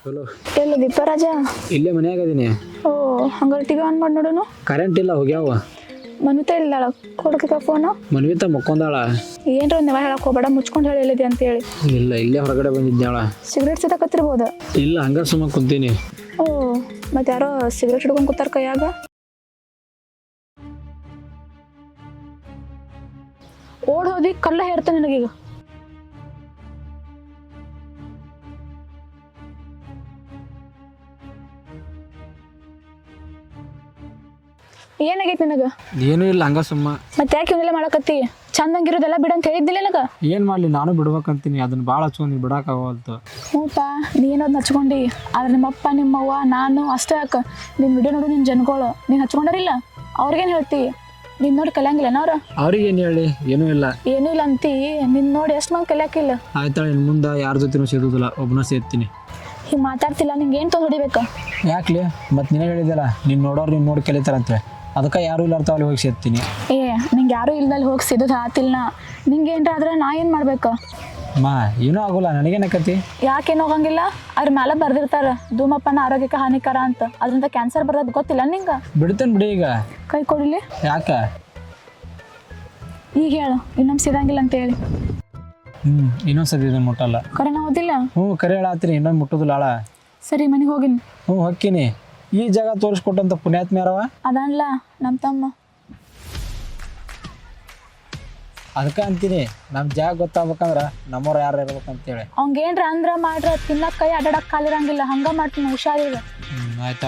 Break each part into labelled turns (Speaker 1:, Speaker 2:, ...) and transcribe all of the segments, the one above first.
Speaker 1: Hello,
Speaker 2: ಎಲ್ಲ ದೀಪರಾಜ
Speaker 1: ಇಲ್ಲೇ ಮನ್ಯಾಗ ಅದೀನಿ.
Speaker 2: ಓ ಹಂಗಾರೆ ಟಿವಿ ಆನ್ ಮಾಡಿ ನೋಡೋನು.
Speaker 1: ಕರೆಂಟ್ ಇಲ್ಲ, ಹೋಗ್ಯಾವ.
Speaker 2: ಮನುತ ಇಲ್ಲಾಳ ಕೊಡಕ ಫೋನು.
Speaker 1: ಮನ್ವಿತ ಮಕ್ಕೊಂದಾಳ.
Speaker 2: ಏನ್ರ ನೀವ ಹೇಳಕ್ ಹೋಗ್ಬೇಡ, ಮುಚ್ಕೊಂಡು ಹೇಳಿ ಹೇಳಿದೆ ಅಂತ ಹೇಳಿ.
Speaker 1: ಇಲ್ಲ, ಇಲ್ಲೇ ಹೊರಗಡೆ ಬಂದಿದ್ದಾಳ.
Speaker 2: ಸಿಗರೇಟ್ ಸಿದಕತ್ತಿರ್ಬೋದು.
Speaker 1: ಇಲ್ಲ, ಹಂಗ ಸುಮ್ಮ ಕುಂತೀನಿ.
Speaker 2: ಓ ಮತ್ತೆ ಯಾರೋ ಸಿಗರೇಟ್ ಹಿಡ್ಕೊಂಡ್ ಕೂತಾರ ಕೈಯಾಗ. ಓಡ್ ಹೋದಿ ಕಲ್ಲ ಹೇರ್ತಾನೆ ನನಗೀಗ. ಏನಾಗೈತಿ ನಿನಗ?
Speaker 1: ಏನೂ ಇಲ್ಲ, ಹಂಗ ಸುಮ್ಮ.
Speaker 2: ಮತ್ತೆ ಯಾಕೆ ಇವನ್ನೆಲ್ಲ ಮಾಡಕತ್ತಿ? ಚಂದಂಗಿರೋದೆಲ್ಲ ಬಿಡ ಅಂತ ಹೇಳಿದ್ದಿಲ್ಲ ನನಗ.
Speaker 1: ಏನ್ ಮಾಡ್ಲಿ, ನಾನು ಬಿಡ್ಬೇಕಂತೀನಿ. ಅದನ್ನ ಭಾಳ ಹಚ್ಕೊಂಡಿ ಬಿಡಾಕಾಗವಲ್ತು.
Speaker 2: ಹ್ಞೂಪಾ, ನೀನೋದ್ ಹಚ್ಕೊಂಡಿ. ಆದ್ರೆ ನಿಮ್ಮಪ್ಪ ನಿಮ್ಮವ್ವ ನಾನು ಅಷ್ಟೇ ಯಾಕೆ ನಿನ್ನ ವಿಡಿಯೋ ನೋಡು, ನಿನ್ನ ಜನಗಳು ನೀನು ಹಚ್ಕೊಂಡಾರಿಲ್ಲ. ಅವ್ರಿಗೇನು ಹೇಳ್ತಿ? ನಿನ್ನ ನೋಡಿ ಕಲಿಯಂಗಿಲ್ಲ ಅವ್ರ.
Speaker 1: ಅವ್ರಿಗೆ ಏನು ಹೇಳಿ? ಏನೂ ಇಲ್ಲ.
Speaker 2: ಏನೂ ಇಲ್ಲ ಅಂತಿ. ನಿನ್ನ ನೋಡಿ ಎಷ್ಟು ಮಂದಿ ಕಲಿಯಾಕಿಲ್ಲ.
Speaker 1: ಆಯ್ತಾಳೆ, ಇನ್ನು ಮುಂದೆ ಯಾರ ಜೊತೆನೂ ಸೇದೋದಿಲ್ಲ, ಒಬ್ಬನ ಸೇರ್ತೀನಿ.
Speaker 2: ಹಿಂಗೆ ಮಾತಾಡ್ತಿಲ್ಲ, ನಿಂಗೆ ಏನು ತೊಗೊಂಡು ಹೊಡಿಬೇಕಾ?
Speaker 1: ಯಾಕ್ಲಿ? ಮತ್ತೆ ನೀನೇ ಹೇಳಿದಲ್ಲ, ನೀನು ನೋಡೋರು ನೀನು ನೋಡಿ ಕಲಿತಾರಂತೆ. ಅದಕ್ಕೆ ಯಾರೂ ಇಲ್ಲ ಅಲ್ಲಿ ಹೋಗಿ ಸೇರ್ತೀನಿ.
Speaker 2: ಏ ನಿಂಗೆ ಯಾರೂ ಇಲ್ದಲ್ಲಿ ಹೋಗಿ ಸಿಗೋದು ಆತಿಲ್ಲ. ನಿಂಗೆ ಏನ್ರ ಆದ್ರೆ ನಾ ಏನು ಮಾಡ್ಬೇಕಾ?
Speaker 1: ಮಾ ಏನೂ ಆಗೋಲ್ಲ, ನನಗೇನಕತಿ.
Speaker 2: ಯಾಕೇನು ಹೋಗಂಗಿಲ್ಲ? ಅದ್ರ ಮೇಲೆ ಬರ್ದಿರ್ತಾರ ಧೂಮಪಾನ ಆರೋಗ್ಯಕ್ಕೆ ಹಾನಿಕರ ಅಂತ. ಅದರಿಂದ ಕ್ಯಾನ್ಸರ್ ಬರೋದು ಗೊತ್ತಿಲ್ಲ ನಿಂಗೆ?
Speaker 1: ಬಿಡ್ತೇನೆ ಬಿಡಿ ಈಗ.
Speaker 2: ಕೈ ಕೊಡಿಲಿ.
Speaker 1: ಯಾಕೆ?
Speaker 2: ಈಗ ಹೇಳು, ಇನ್ನೊಮ್ಮೆ ಸಿದಂಗಿಲ್ಲ ಅಂತ ಹೇಳಿ.
Speaker 1: ಇನ್ನೊಂದ್ಸತಿ ಇದನ್ನು ಮುಟ್ಟಲ್ಲ.
Speaker 2: ಕರೆನ ಓದಿಲ್ಲ?
Speaker 1: ಕರೆ ಹೇಳತ್ತೀನಿ, ಇನ್ನೊಂದು ಮುಟ್ಟೋದಿಲ್ಲ ಆಳ.
Speaker 2: ಸರಿ, ಮನೆಗೆ ಹೋಗಿನಿ.
Speaker 1: ಹೊಕ್ಕಿನಿ. ಈ ಜಾಗ ತೋರಿಸ್ಕೊಟ್ಟಂತ ಪುಣ್ಯಾತ್ಮ ಯಾರವ?
Speaker 2: ಅದನ್ಲ ನಮ್ಮ ತಮ್ಮ.
Speaker 1: ಅದಕ್ಕೆ ಅಂತೀನಿ, ನಮ್ಮ ಜಾಗ ಗೊತ್ತಾಗ್ಬೇಕಂದ್ರೆ ನಮ್ಮವ್ರು ಯಾರು ಇರ್ಬೇಕಂತೇಳಿ.
Speaker 2: ಅವಂಗೇನ್ರ ಅಂದ್ರ ಮಾಡ್ರ ತಿನ್ನಕ್ ಕೈ ಅಡ್ಡಾಡಕ್ ಕಾಲಿರಂಗಿಲ್ಲ. ಹಂಗ ಮಾಡ್ತೀನಿ, ಹುಷಾರಿಲ್ಲ.
Speaker 1: ಆಯ್ತಾ.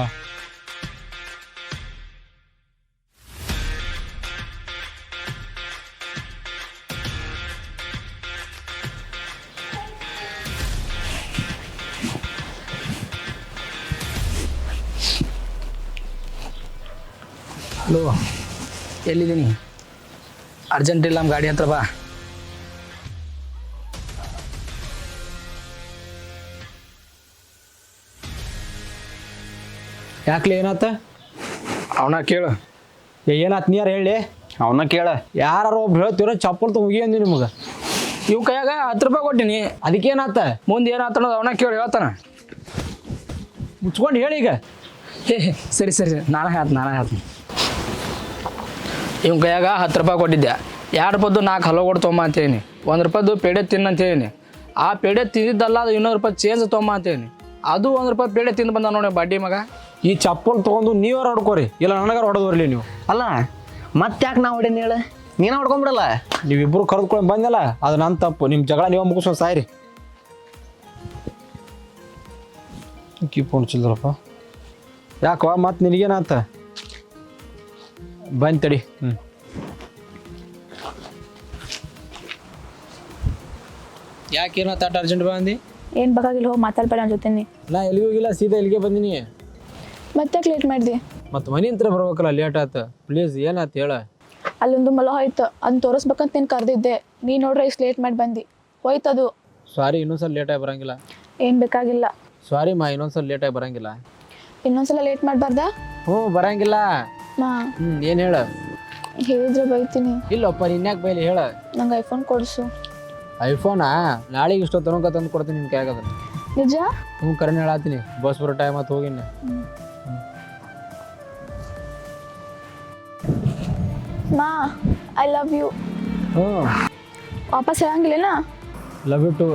Speaker 3: ಹಲೋ, ಎಲ್ಲಿದ್ದೀನಿ? ಅರ್ಜೆಂಟ್ ಇಲ್ಲ, ನಮ್ಮ ಗಾಡಿ ಹತ್ರ ಬಾ.
Speaker 1: ಯಾಕ್ಲಿ, ಏನಾತ?
Speaker 3: ಅವನ ಕೇಳು.
Speaker 1: ಏನಾತ್ ನೀರು ಹೇಳಿ.
Speaker 3: ಅವನ ಕೇಳ.
Speaker 1: ಯಾರು ಒಬ್ರು ಹೇಳ್ತೀರೋ ಚಪ್ಪಲ್ ಹೋಗಿ ಅಂದಿ ನಿಮಗೆ.
Speaker 3: ಇವ್ ಕೈಯಾಗ 10 ರೂಪಾಯಿ ಕೊಟ್ಟಿನಿ.
Speaker 1: ಅದಕ್ಕೇನಾತ?
Speaker 3: ಮುಂದೆ ಏನಾತ ಅನ್ನೋದು ಅವನ ಕೇಳು, ಹೇಳ್ತಾನ.
Speaker 1: ಮುಚ್ಕೊಂಡು ಹೇಳಿ ಈಗ.
Speaker 3: ಸರಿ ಸರಿ, ನಾನೇ ಹೇಳ್ತೀನಿ. ಇವ್ ಕೈಯಾಗ 10 ರೂಪಾಯಿ ಕೊಟ್ಟಿದ್ದೆ. 2 ರೂಪಾಯ್ದು 4 ಹಲೋ ಕೊಟ್ಟು ತೊಗೊಂಬ ಅಂತೇನಿ. 1 ರೂಪಾಯ್ದು ಪೇಡೆ ತಿನ್ನ ಅಂತ ಹೇಳೀನಿ. ಆ ಪೇಡೆ ತಿಂದಿದ್ದಲ್ಲ, ಅದು 200 ರೂಪಾಯಿ ಚೇಂಜ್ ತೊಗೊಂಬ ಅಂತೇನಿ. ಅದು 1 ರೂಪಾಯಿ ಪೇಡೆ ತಿಂದು ಬಂದ ನೋಡಿ ಬಡ್ಡಿ ಮಗ.
Speaker 1: ಈ ಚಪ್ಪಲ್ ತೊಗೊಂಡು ನೀವ್ಯಾರು ಹೊಡ್ಕೋರಿ, ಇಲ್ಲ ನನಗಾರು ಹೊಡೆದು ಬರಲಿ ನೀವು.
Speaker 4: ಅಲ್ಲ ಮತ್ತೆ ಯಾಕೆ ನಾವು ಹೊಡೀನಿ ಹೇಳು? ನೀನ ಹೊಡ್ಕೊಂಬಿಡಲ್ಲ.
Speaker 1: ನೀವಿಬ್ಬರು ಕರೆದುಕೊಂಡು ಬಂದಲ್ಲ, ಅದು ನನ್ನ ತಪ್ಪು. ನಿಮ್ಮ ಜಗಳ ನೀವು ಮುಗಿಸ್ಕೊಂಡು ಸಾಯ್ರಿ. ಕೀಪೊಂಡು ಚಿಲ್ಲರಪ್ಪ. ಯಾಕೋ ಮತ್ತೆ ನಿನಗೇನಂತ? ಬಂದು ತಡಿ. ಯಾಕೇನೋ ತಾಟ ಅರ್ಜೆಂಟ್ ಬಂದು?
Speaker 2: ಏನ್ ಬೇಕಾಗಿಲ್ಲ, ಹೋಗಿ ಮಾತಾಡ್ಬೇಡ ನನ್ನ ಜೊತೆ.
Speaker 1: ನಾ ಎಲ್ಲಿಗೆ ಹೋಗಿಲ್ಲ, ಸೀದಾ ಇಲ್ಲಿಗೆ ಬಂದಿನಿ.
Speaker 2: ಮತ್ತೆ ಲೇಟ್ ಮಾಡಿದೆ?
Speaker 1: ಮತ್ತು ಮನೆ ಹತ್ರ ಬರ್ಬೇಕಲ್ಲ, ಲೇಟ್ ಆಯ್ತು. ಪ್ಲೀಸ್ ಏನಾಯ್ತು ಹೇಳ.
Speaker 2: ಅಲ್ಲೊಂದು ಮೊಲ ಹೋಯ್ತು, ಅದನ್ನ ತೋರಿಸ್ಬೇಕಂತ ನೀನು ಕರೆದಿದ್ದೆ. ನೀ ನೋಡ್ರೆ ಇಷ್ಟು ಲೇಟ್ ಮಾಡಿ ಬಂದು ಹೋಯ್ತದು.
Speaker 1: ಸಾರಿ, ಇನ್ನೊಂದ್ಸಲ ಲೇಟಾಗಿ ಬರಂಗಿಲ್ಲ.
Speaker 2: ಏನು ಬೇಕಾಗಿಲ್ಲ.
Speaker 1: ಸಾರಿ ಮಾ, ಇನ್ನೊಂದ್ಸಲ ಲೇಟಾಗಿ ಬರಂಗಿಲ್ಲ.
Speaker 2: ಇನ್ನೊಂದ್ಸಲ ಲೇಟ್ ಮಾಡಬಾರ್ದಾ?
Speaker 1: ಬರಂಗಿಲ್ಲ.
Speaker 2: ಮಾ
Speaker 1: ಏನು ಹೇಳ?
Speaker 2: ಹೇಳಿದ್ರೆ ಬೈತೀನಿ.
Speaker 1: ಇಲ್ಲಪ್ಪ, ಇನ್ಯಾಕೆ ಬೈಲಿ ಹೇಳ.
Speaker 2: ನಂಗೆ ಐಫೋನ್ ಕೊಡಿಸು.
Speaker 1: ಐಫೋನಾ? ನಾಳೆಗೆ ಇಷ್ಟೊತ್ತು ತನಕ ತಂದು ಕೊಡ್ತೀನಿ ನಿನ್ನ ಕೈಯಾಗದ.
Speaker 2: ನಿಜ?
Speaker 1: ಕರೆನ್ ಹೇಳತ್ತೀನಿ. ಬಸ್ ಬರೋ ಟೈಮ್ ಆತು, ಹೋಗಿನ.
Speaker 2: ಮಾ ಐ ಲವ್ ಯು. ವಾಪಸ್ ಹೇಳಂಗಿಲ್ಲ.
Speaker 1: Love you too.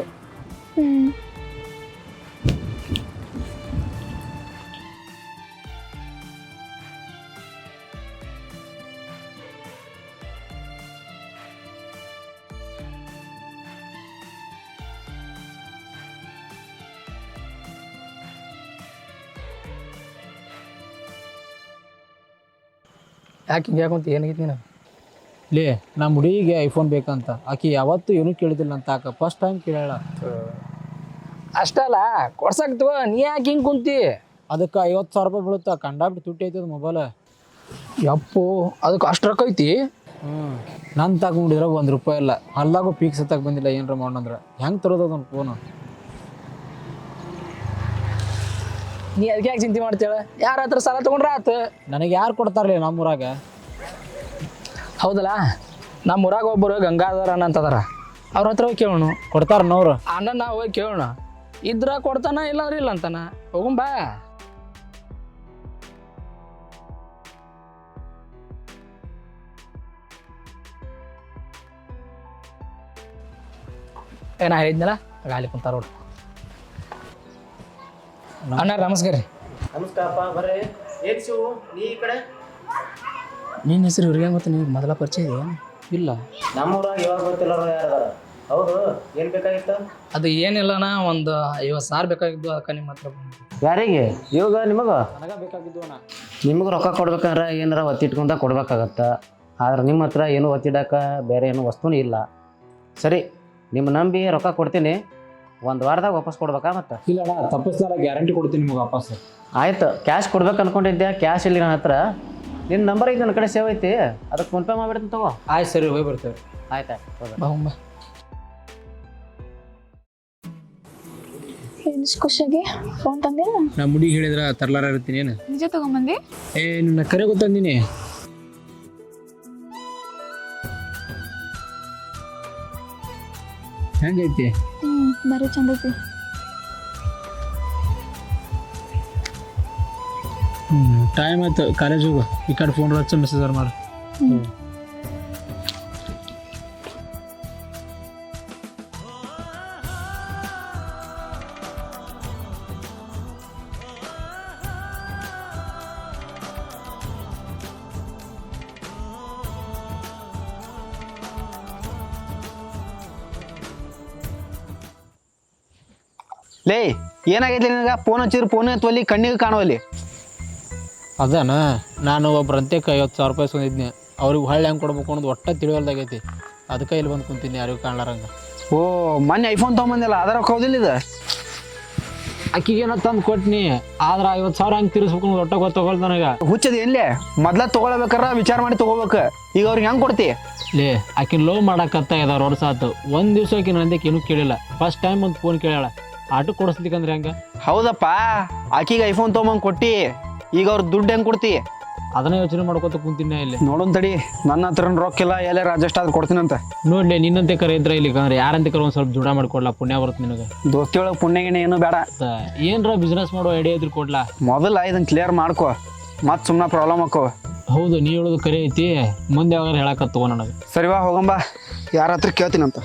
Speaker 3: ಯಾಕೆ ಹಿಂಗೆ ಯಾಕಂತ ಏನಾಗಿತ್ತು ನೀನು?
Speaker 1: ಲೇ, ನಮ್ಮ ಹುಡುಗಿಗೆ ಐಫೋನ್ ಬೇಕಂತ. ಆಕಿ ಯಾವತ್ತೂ ಏನೂ ಕೇಳಿದಿಲ್ಲ ಅಂತ. ಆಕ ಫಸ್ಟ್ ಟೈಮ್ ಕೇಳ.
Speaker 3: ಅಷ್ಟಲ್ಲ ಕೊಡ್ಸಾಕ್ತವ, ನೀ ಯಾಕೆ ಹಿಂಗೆ ಕುಂತಿ?
Speaker 1: ಅದಕ್ಕೆ 50,000 ರೂಪಾಯಿ ಬೀಳುತ್ತಾ. ಕಂಡಾಬಿಟ್ಟು ತುಟ್ಟಿ ಐತದ ಮೊಬೈಲ್.
Speaker 3: ಯಪ್ಪು, ಅದಕ್ಕೆ ಅಷ್ಟು ರೊಕ್ಕ ಐತಿ?
Speaker 1: ನಾನು ತಗೊಂಡಿದ್ರೆ 1 ರೂಪಾಯಿ ಇಲ್ಲ. ಅಲ್ಲಾಗೂ ಪೀಕ್ಸ್ ಹತ್ತಕ್ಕೆ ಬಂದಿಲ್ಲ. ಏನರ ಮಾಡೋಣಂದ್ರೆ ಹೆಂಗೆ ತರೋದು ಅದನ್ನು ಫೋನು?
Speaker 3: ನೀ ಅದಕ್ಕೆ ಯಾಕೆ ಚಿಂತೆ ಮಾಡ್ತೇಳ? ಯಾರ ಹತ್ರ ಸಾಲ ತೊಗೊಂಡ್ರೆ ಆತು.
Speaker 1: ನನಗೆ ಯಾರು ಕೊಡ್ತಾರಲ್ಲ ನಮ್ಮೂರಾಗ?
Speaker 3: ಹೌದಲ್ಲ, ನಮ್ಮ ಊರಾಗ ಒಬ್ಬರು ಗಂಗಾಧರ ಅಂತದಾರ. ಅವ್ರ ಹತ್ರ ಹೋಗಿ ಕೇಳೋಣ.
Speaker 1: ಕೊಡ್ತಾರನವ್ರು?
Speaker 3: ಅಣ್ಣ ನಾವು ಹೋಗಿ ಕೇಳೋಣ. ಇದ್ರ ಕೊಡ್ತಾನ ಇಲ್ಲಾಂದ್ರೆ ಇಲ್ಲ ಅಂತಾನ. ಹೋಗುಂ ಬಾ. ನಾ ಹೇಳಿದ್ನಲ್ಲ ಗಾಲಿ ಕುಂತಾರ ನೋಡ್ರಿ. ಅಣ್ಣ ನಮಸ್ಕಾರ ರೀ.
Speaker 4: ನಮಸ್ಕಾರಪ್ಪ, ಬರ್ರಿ. ಏನ್ ಶಿವು ನೀ ಈ ಕಡೆ?
Speaker 3: ನಿನ್ನ ಹೆಸರು ಇವ್ರಿಗೆ ಗೊತ್ತ? ನೀವು ಮೊದಲ ಪರಿಚಯ ಇದೆಯಾ? ಇಲ್ಲ.
Speaker 4: ನಮ್ಮೂರಾಗ ಇವಾಗ ಗೊತ್ತಿಲ್ಲರು ಯಾರದಾರ? ಹೌದು, ಏನ್ ಬೇಕಾಗಿತ್ತು?
Speaker 3: ಅದು ಏನಿಲ್ಲಣ್ಣ, ಒಂದು 50,000 ಬೇಕಾಗಿದ್ದು. ಅದಕ್ಕೆ ನಿಮ್ಮ ಹತ್ರ ಬಂದು.
Speaker 4: ಯಾರಿಗೆ? ಇವಾಗ ನಿಮಗ?
Speaker 1: ನನಗ ಬೇಕಾಗಿದ್ದು ಅಣ್ಣ.
Speaker 4: ನಿಮಗೆ ರೊಕ್ಕ ಕೊಡ್ಬೇಕಂದ್ರೆ ಏನಾರ ಒತ್ತಿಟ್ಕೊಂಡ ಕೊಡ್ಬೇಕಾಗತ್ತ. ಆದ್ರೆ ನಿಮ್ಮ ಹತ್ರ ಏನು ಒತ್ತಿಡಕ ಬೇರೆ ಏನು ವಸ್ತುನೂ ಇಲ್ಲ. ಸರಿ, ನಿಮ್ಮ ನಂಬಿ ರೊಕ್ಕ ಕೊಡ್ತೀನಿ. 1 ವಾರದಾಗ ವಾಪಸ್ ಕೊಡ್ಬೇಕಾ? ಮತ್ತೆ
Speaker 1: ಇಲ್ಲ ಅಣ್ಣ, ತಪ್ಪಿಸ್ಲಾರ ಗ್ಯಾರಂಟಿ ಕೊಡ್ತೀನಿ ನಿಮಗೆ ವಾಪಸ್.
Speaker 4: ಆಯ್ತು, ಕ್ಯಾಶ್ ಕೊಡ್ಬೇಕು ಅನ್ಕೊಂಡಿದ್ದೆ. ಕ್ಯಾಶ್ ಇಲ್ಲಿ ನನ್ನ ಹತ್ರ. ನಿನ್ನ ನಂಬರ್ ಈಗ ನನ್ನ ಕಡೆ ಸೇವ್ ಐತಿ, ಅದಕ್ಕೆ ಫೋನ್ಪೇ ಮಾಡಿಬಿಡ್ತೀನಿ ತಗೋ.
Speaker 1: ಆಯ್ತು ಸರಿ, ಹೋಗಿ ಬರ್ತೇವೆ.
Speaker 4: ಆಯ್ತಾಯ್ತು.
Speaker 3: ಬಾ ಹೋಗುಂ ಬಾ.
Speaker 2: ಏನಿಷ್ಟು ಖುಷಿಯಾಗಿ ಫೋನ್ ತಂದಿಲ್ಲ?
Speaker 1: ನಾ ಮುಡಿಗೆ ಹೇಳಿದ್ರ ತರ್ಲಾರ ಇರ್ತೀನಿ ಏನು?
Speaker 2: ನಿಜ ತಗೊಂಬಂದಿ?
Speaker 1: ನಿನ್ನ ಕರೆ ಗೊತ್ತಂದಿನಿ. ಹೆಂಗೈತಿ?
Speaker 2: ಬರೀ ಚಂದ ಐತಿ.
Speaker 1: ಟೈಮ್ ಆಯ್ತು, ಕಾಲೇಜ್ ಹೋಗು. ಈ ಕಡೆ ಫೋನ್ ಹಚ್ಚ, ಮೆಸೇಜ್ ಮಾಡು.
Speaker 5: ಲೇ, ಏನಾಗೈತಿ ನಿನಗೆ? ಫೋನ್ ಹಚ್ಚಿದ್ರು ಫೋನ್ ಎತ್ತುವಲ್ಲಿ, ಕಣ್ಣಿಗೆ ಕಾಣುವಲ್ಲಿ.
Speaker 1: ಅದಾನ, ನಾನು ಒಬ್ರಂತೆಕ್ಕೆ 50,000 ರೂಪಾಯಿ ತಂದಿದ್ನಿ. ಅವ್ರಿಗೆ ಹೊಳ್ಳಿ ಹೆಂಗೆ ಕೊಡ್ಬೇಕು ಅನ್ನೋದು ಒಟ್ಟ ತಿಳಿವಲ್ದಾಗೈತಿ. ಅದಕ್ಕೆ ಇಲ್ಲಿ ಬಂದು ಕುಂತೀನಿ, ಯಾರಿಗೂ ಕಾಣ್ಲಾರಂಗ.
Speaker 5: ಓ, ಮೊನ್ನೆ ಐಫೋನ್ ತೊಗೊಂಬಂದಿಲ್ಲ, ಅದರ ಹೌದಿಲ್ಲ ಇದು?
Speaker 1: ಅಕ್ಕಿಗೇನೋ ತಂದು ಕೊಟ್ನಿ, ಆದ್ರೆ 50,000 ಹೆಂಗೆ ತಿರ್ಸ್ಬೇಕು ಅನ್ನೋದು ಒಟ್ಟ ಗೊತ್ತಾಗಲ್ಲ ನನಗೆ.
Speaker 5: ಹುಚ್ಚದ ಏನ್ಲೇ? ಮೊದ್ಲ ತೊಗೊಳ್ಬೇಕಾರ ವಿಚಾರ ಮಾಡಿ ತೊಗೋಬೇಕು. ಈಗ ಅವ್ರಿಗೆ ಹೆಂಗೆ ಕೊಡ್ತಿ?
Speaker 1: ಲೇ, ಆಕಿನ ಲೋ ಮಾಡಕತ್ತ 2 ವರ್ಷ ಆಯ್ತು. ಒಂದು ದಿವ್ಸ ಆಕಿನ ನಂದಕ್ಕೆ ಏನೂ ಕೇಳಿಲ್ಲ. ಫಸ್ಟ್ ಟೈಮ್ ಒಂದು ಫೋನ್ ಕೇಳ್ಯಾಳ. ಆಟೋ ಕೊಡಿಸ್ಲಿಕ್ಕಂದ್ರೆ ಹೆಂಗೆ?
Speaker 5: ಹೌದಪ್ಪ, ಆಕಿಗೆ ಐಫೋನ್ ತೊಗೊಂಬಂದು ಕೊಟ್ಟಿ, ಈಗ ಅವ್ರ ದುಡ್ಡು ಹೆಂಗೆ ಕೊಡ್ತಿ?
Speaker 1: ಅದನ್ನ ಯೋಚನೆ ಮಾಡ್ಕೊತ ಕುಂತೀನಿ ಇಲ್ಲಿ.
Speaker 5: ನೋಡೋನ್ ತಡಿ, ನನ್ನ ಹತ್ರ ರೊಕ್ಕ ಇಲ್ಲ, ಎಲ್ಲಾರ ಅಡ್ಜಸ್ಟ್ ಆದ್ರೆ ಕೊಡ್ತೀನಂತ.
Speaker 1: ನೋಡ್ಲಿ, ನಿನ್ನಂತೆ ಕರೆ ಇದ್ರೆ ಇಲ್ಲಿ ಅಂದ್ರೆ ಯಾರಂತೆ ಕರೆ ಒಂದು ಸ್ವಲ್ಪ ಜುಡ ಮಾಡ್ಕೊಡ್ಲಾ, ಪುಣ್ಯ ಬರುತ್ತೆ ನಿನಗೆ.
Speaker 5: ದೋಸ್ತಿ ಒಳಗೆ ಪುಣ್ಯಗಿಣೆ ಏನು ಬೇಡ.
Speaker 1: ಏನ್ರ ಬಿಸ್ನೆಸ್ ಮಾಡೋ ಐಡಿಯಾ ಇದ್ರೆ ಕೊಡ್ಲಾ.
Speaker 5: ಮೊದಲ ಇದನ್ನ ಕ್ಲಿಯರ್ ಮಾಡ್ಕೊ, ಮತ್ತೆ ಸುಮ್ಮನೆ ಪ್ರಾಬ್ಲಮ್ ಹಾಕೋ.
Speaker 1: ಹೌದು, ನೀ ಹೇಳೋದು ಕರೆ ಐತಿ. ಮುಂದೆ ಯಾವಾಗ ಹೇಳಕತ್ತ ತಗೋ ನನಗೆ.
Speaker 5: ಸರಿವಾ, ಹೋಗಂಬ. ಯಾರ ಹತ್ರ ಕೇಳ್ತೀನಂತ.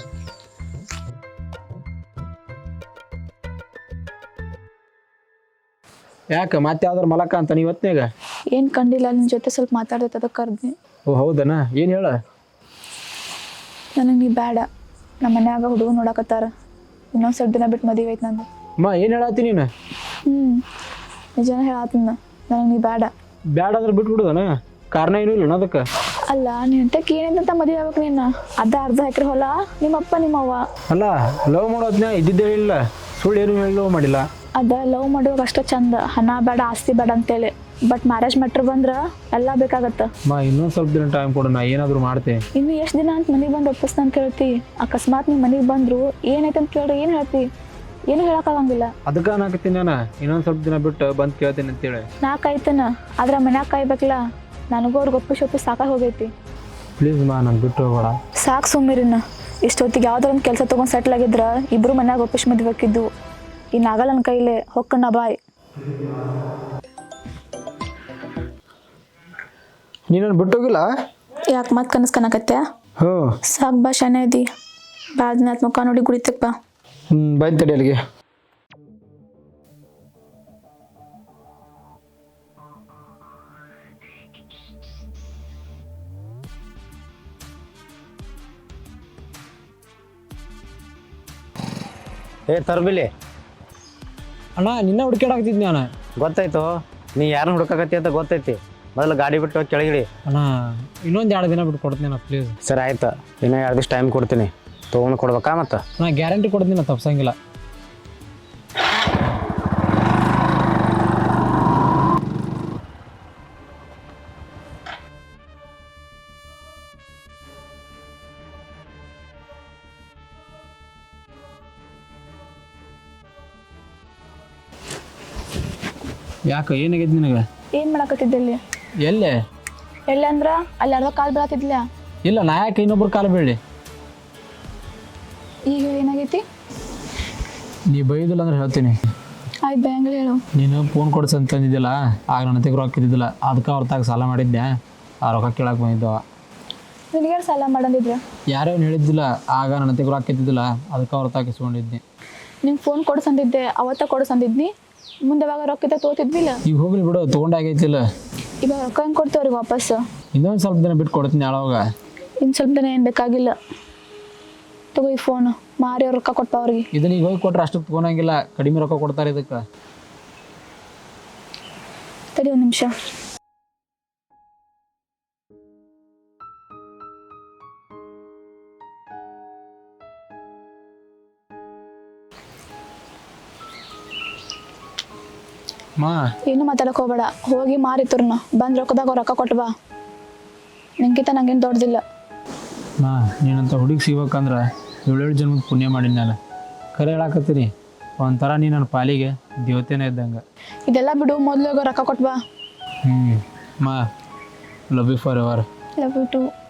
Speaker 1: ಯಾಕೆ ಮತ್ತೆ ಯಾವ್ದಾರು ಮಲಕ ಅಂತ ನೀವು ಹೊತ್ನಾಗ?
Speaker 2: ಏನು ಕಂಡಿಲ್ಲ, ನಿನ್ನ ಜೊತೆ ಸ್ವಲ್ಪ ಮಾತಾಡ್ದೈತೆ, ಅದಕ್ಕೆ ಕರ್ದ್ನಿ.
Speaker 1: ಓ ಹೌದನಾ? ಏನು ಹೇಳ?
Speaker 2: ನನಗೆ ನೀ ಬೇಡ. ನಮ್ಮ ಮನ್ಯಾಗ ಹುಡುಗ ನೋಡಕತ್ತಾರ. ಇನ್ನೊಂದು ಸ್ವಲ್ಪ ದಿನ ಬಿಟ್ಟು ಮದುವೆ ಐತೆ ನಂದು.
Speaker 1: ಅಮ್ಮ, ಏನು ಹೇಳತ್ತಿ ನೀನು?
Speaker 2: ನಿಜನ ಹೇಳತ್ತೀನ, ನನಗೆ ನೀ ಬೇಡ.
Speaker 1: ಬ್ಯಾಡ ಅಂದ್ರೆ ಬಿಟ್ಬಿಡುದನ? ಕಾರಣ ಏನೂ ಇಲ್ಲ ಅದಕ್ಕೆ?
Speaker 2: ಅಲ್ಲ, ನಿಂತಕ್ಕೆ ಏನಂತ ಮದುವೆ ಆಗ್ಬೇಕು ನೀನು? ಅರ್ಧ ಎಕರೆ ಹೊಲ, ನಿಮ್ಮಪ್ಪ ನಿಮ್ಮವ್ವ.
Speaker 1: ಅಲ್ಲ, ಲವ್ ಮಾಡೋದ್ನ ಇದ್ದಿದ್ದೇ ಇಲ್ಲ, ಸುಳ್ಳು ಏನು ಹೇಳಿ ಲವ್ ಮಾಡಿಲ್ಲ.
Speaker 2: ಲವ್ ಮಾಡುವಾಗ ಅಷ್ಟೇ ಚಂದ, ಹಣ ಬೇಡ ಆಸ್ತಿ ಬೇಡ ಅಂತೇಳಿ. ಬಟ್ ಮ್ಯಾರೇಜ್ ಮ್ಯಾಟ್ರ್ ಬಂದ್ರೆ ಎಲ್ಲ ಬೇಕಾಗತ್ತೆ.
Speaker 1: ಇನ್ನೊಂದು ಸ್ವಲ್ಪ ದಿನ ಟೈಮ್ ಕೊಡು, ನಾ ಏನಾದರೂ ಮಾಡ್ತೆ.
Speaker 2: ಇನ್ನು ಎಷ್ಟು ದಿನ ಅಂತ ಮನೆಗೆ ಬಂದು ಒಪ್ಪಿಸ್ ಅಂತ ಕೇಳ್ತಿ? ಅಕಸ್ಮಾತ್ ನೀವು ಮನೆಗೆ ಬಂದ್ರು ಏನೈತೆ ಅಂತ ಕೇಳ್ರಿ, ಏನು ಹೇಳ್ತಿ? ಏನು ಹೇಳಕ್ಕಾಗಂಗಿಲ್ಲ.
Speaker 1: ಅದಕ್ಕೆ ನಾಕತ್ತೀನಿ ನಾನು, ಇನ್ನೊಂದು ಸ್ವಲ್ಪ ದಿನ ಬಿಟ್ಟು ಬಂದು ಕೇಳ್ತೀನಿ ಅಂತೇಳಿ.
Speaker 2: ನಾ ಕಾಯ್ತೇನ, ಆದ್ರೆ ಮನ್ಯಾಗ ಕಾಯ್ಬೇಕಲ್ಲ. ನನಗೂ ಅವ್ರಿಗೆ ಒಪ್ಪಿಸಿ ಸಾಕಾಗಿ ಹೋಗೈತಿ.
Speaker 1: ಪ್ಲೀಸ್ ಮಾ, ನಾನು ಬಿಟ್ಟು ಹೋಗೋಣ.
Speaker 2: ಸಾಕು ಸುಮ್ಮಿರಿನ. ಇಷ್ಟೊತ್ತಿಗೆ ಯಾವ್ದಾರ ಒಂದು ಕೆಲಸ ತೊಗೊಂಡು ಸೆಟ್ಲ್ ಆಗಿದ್ರ ಇಬ್ರು ಮನ್ಯಾಗ ಒಪ್ಪಿಸಿ ಮದ್ಬೇಕಿದ್ದು. ಇನ್ನಾಗಲ್ಲ ನನ್ನ ಕೈಲೇ, ಹೊಕ್ಕಣ್ಣ ಬಾಯ್.
Speaker 1: ನೀನು ಬಿಟ್ಟೋಗಿಲ್ಲ?
Speaker 2: ಯಾಕೆ ಮತ್ತೆ ಕನಸು ಕಾಣಕತ್ತೆ?
Speaker 1: ಹ್ಞೂ,
Speaker 2: ಸಾಕು ಬಾ, ಶಾನೆ ಇದ್ದಿ. ಭಾಳ ದಿನ ಆತ್ ಮುಖ ನೋಡಿ ಗುಡಿತಕ್ಕೆ ಬಾ.
Speaker 1: ಬಂದು ತಡಿ ಅಲ್ಲಿಗೆ.
Speaker 4: ತರ್ಬಿಲಿ
Speaker 1: ಅಣ್ಣ, ನಿನ್ನ ಹುಡುಕಾಡಕತ್ತಿದ್ನಿ ನಾನು.
Speaker 4: ಗೊತ್ತಾಯ್ತು, ನೀ ಯಾರನ್ನ ಹುಡುಕಾಕತ್ತಿ ಅಂತ ಗೊತ್ತೈತಿ. ಮೊದಲು ಗಾಡಿ ಬಿಟ್ಟು ಹೋಗಿ ಕೆಳಗಿಡಿ.
Speaker 1: ಅಣ್ಣ, ಇನ್ನೊಂದು 2 ದಿನ ಬಿಟ್ಟು ಕೊಡ್ತೀನಿ ಅಣ್ಣ, ಪ್ಲೀಸ್.
Speaker 4: ಸರಿ ಆಯ್ತು, ಇನ್ನೂ 2 ದಿವಸ ಟೈಮ್ ಕೊಡ್ತೀನಿ. ತೊಗೊಂಡು ಕೊಡ್ಬೇಕಾ? ಮತ್ತೆ
Speaker 1: ನಾ ಗ್ಯಾರಂಟಿ ಕೊಡ್ತೀನಿ, ನಾ ತಪ್ಸಂಗಿಲ್ಲ. ಯಾಕೆ, ಏನಾಗೈತಿ ನಿನಗೆ?
Speaker 2: ಏನು ಮಾಡಕತ್ತಿದ್ದಲ್ಲಿ?
Speaker 1: ಎಲ್ಲೇ?
Speaker 2: ಎಲ್ಲಿ ಅಂದ್ರ ಅಲ್ಲಿ ಅರ್ಧ ಕಾಲು ಬೀಳತ್ತಿದ್ಲ.
Speaker 1: ಇಲ್ಲ, ನಾ ಯಾಕೆ ಇನ್ನೊಬ್ರು ಕಾಲು ಬೀಳಿ?
Speaker 2: ಈಗ ಏನಾಗೈತಿ?
Speaker 1: ನೀ ಬೈದಿಲ್ಲ ಅಂದ್ರೆ ಹೇಳ್ತೀನಿ.
Speaker 2: ಆಯ್ತು ಬ್ಯಾಂಗ್ಲಿ ಹೇಳು.
Speaker 1: ನೀನು ಫೋನ್ ಕೊಡ್ಸು ಅಂತಂದಿದ್ದಿಲ್ಲ, ಆಗ ನನ್ನ ಹತ್ತಿರ ರೊಕ್ಕ ಇದ್ದಿದ್ದಿಲ್ಲ, ಅದಕ್ಕೆ ಅವ್ರ ತಾಗ ಸಾಲ ಮಾಡಿದ್ದೆ. ಆ ರೊಕ್ಕ ಕೇಳಕ್ಕೆ ಬಂದಿದ್ದವ.
Speaker 2: ನಿನಗೆ ಸಾಲ ಮಾಡಂದಿದ್ರೆ
Speaker 1: ಯಾರೋ ಹೇಳಿದ್ದಿಲ್ಲ, ಆಗ ನನ್ನ ಹತ್ತಿರ ರೊಕ್ಕ ಇದ್ದಿದ್ದಿಲ್ಲ, ಅದಕ್ಕೆ ಅವ್ರ ತಾಗ ಇಸ್ಕೊಂಡಿದ್ದೆ.
Speaker 2: ನಿಂಗೆ ಫೋನ್ ಕೊಡ್ಸಂದಿದ್ದೆ, ಅವತ್ತ ಕೊಡ್ಸಂದಿದ್ನಿ. ಮುಂದೆ ಯಾವಾಗ ರೊಕ್ಕ ಇದ್ದ ತೋತಿದ್ವಿಲ್ಲ.
Speaker 1: ಈಗ ಹೋಗ್ಲಿ ಬಿಡು, ತೊಗೊಂಡಾಗೈತಿಲ್ಲ.
Speaker 2: ಇವಾಗ ರೊಕ್ಕ ಹೆಂಗೆ ಕೊಡ್ತೇವ್ರಿಗೆ ವಾಪಸ್?
Speaker 1: ಇನ್ನೊಂದು ಸ್ವಲ್ಪ ದಿನ ಬಿಟ್ಟು ಕೊಡ್ತೀನಿ ಯಾವಾಗ.
Speaker 2: ಇನ್ನು ಸ್ವಲ್ಪ ದಿನ ಏನು ಬೇಕಾಗಿಲ್ಲ. ತಗೋ ಈ ಫೋನು ಮಾರಿ ಅವ್ರು ರೊಕ್ಕ ಕೊಟ್ಟ ಅವ್ರಿಗೆ.
Speaker 1: ಇದನ್ನ ಈಗ ಹೋಗಿ ಕೊಟ್ರೆ ಅಷ್ಟಕ್ಕೆ ತೊಗೊಳಂಗಿಲ್ಲ, ಕಡಿಮೆ ರೊಕ್ಕ ಕೊಡ್ತಾರೆ ಇದಕ್ಕೆ.
Speaker 2: ತಡಿ ಒಂದು ನಿಮಿಷ.
Speaker 1: ಮಾ
Speaker 2: ಏನು ಮಾತಾಡಕ್ಕೆ ಹೋಗ್ಬೇಡ, ಹೋಗಿ ಮಾರಿತುರ್ನ ಬಂದು ರೊಕ್ಕದಾಗ ರೊಕ್ಕ ಕೊಟ್ಟು ಬಾ. ನಿಂಗಿಂತ ನಂಗೇನು ದೊಡ್ಡದಿಲ್ಲ.
Speaker 1: ಮಾ ನೀನಂತ ಹುಡುಗಿ ಸಿಗ್ಬೇಕಂದ್ರೆ 7 ಜನ್ಮದ ಪುಣ್ಯ ಮಾಡೀನಿ ನಾನು. ಕರೆ ಹೇಳಾಕತ್ತೀನಿ, ಒಂಥರ ನೀ ನನ್ನ ಪಾಲಿಗೆ ದೇವತೆನೇ ಇದ್ದಂಗೆ.
Speaker 2: ಇದೆಲ್ಲ ಬಿಡು, ಮೊದಲು ರೊಕ್ಕ ಕೊಟ್ಟು ಬಾ.
Speaker 1: ಮಾ ಲವ್ ಯು ಫಾರ್ ಎವರ್.
Speaker 2: Love you to.